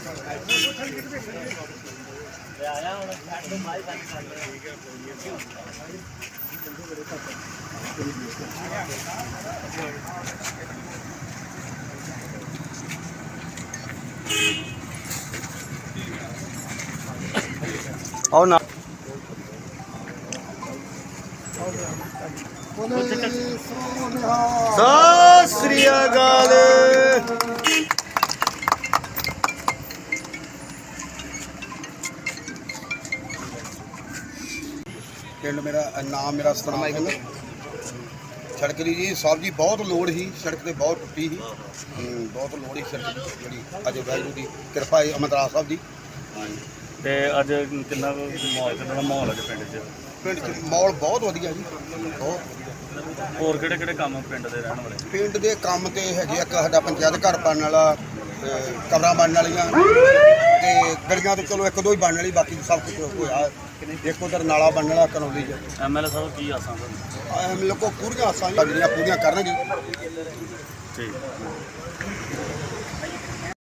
आओ ना सत श्री अकाल। पिंड मेरा नाम मेरा सतनाम सिंह। सड़क की जी साहब जी बहुत लोड़ ही, सड़क तो बहुत टुटी ही, बहुत लोड़ ही सड़क जी। अज वाहगुरू की कृपा है अमरदास साहब जी। ਤੇ ਅੱਜ ਕਿੰਨਾ ਮਾਹੌਲ ਹੈ ਪਿੰਡ 'ਚ? पिंड च माहौल बहुत वधिया जी, बहुत वधिया। ਹੋਰ ਕਿਹੜੇ ਕਿਹੜੇ ਕੰਮ ਪਿੰਡ ਦੇ ਰਹਿਣ ਵਾਲੇ? पिंड के काम तो है एक साडा पंचायत घर बनने वाला, कबरां बनने वालियां ते गलियां तो चलो एक दो ही बनने वाली, बाकी सब कुछ होया। एक उधर नाला बनने वाला करौली च। ਐਮਐਲਏ ਸਾਹਿਬ ਕੀ ਆਸਾਂ ਤੁਹਾਨੂੰ? हम लोग को पूरियां आसां जिहड़ियां पूरियां करनगे। ਠੀਕ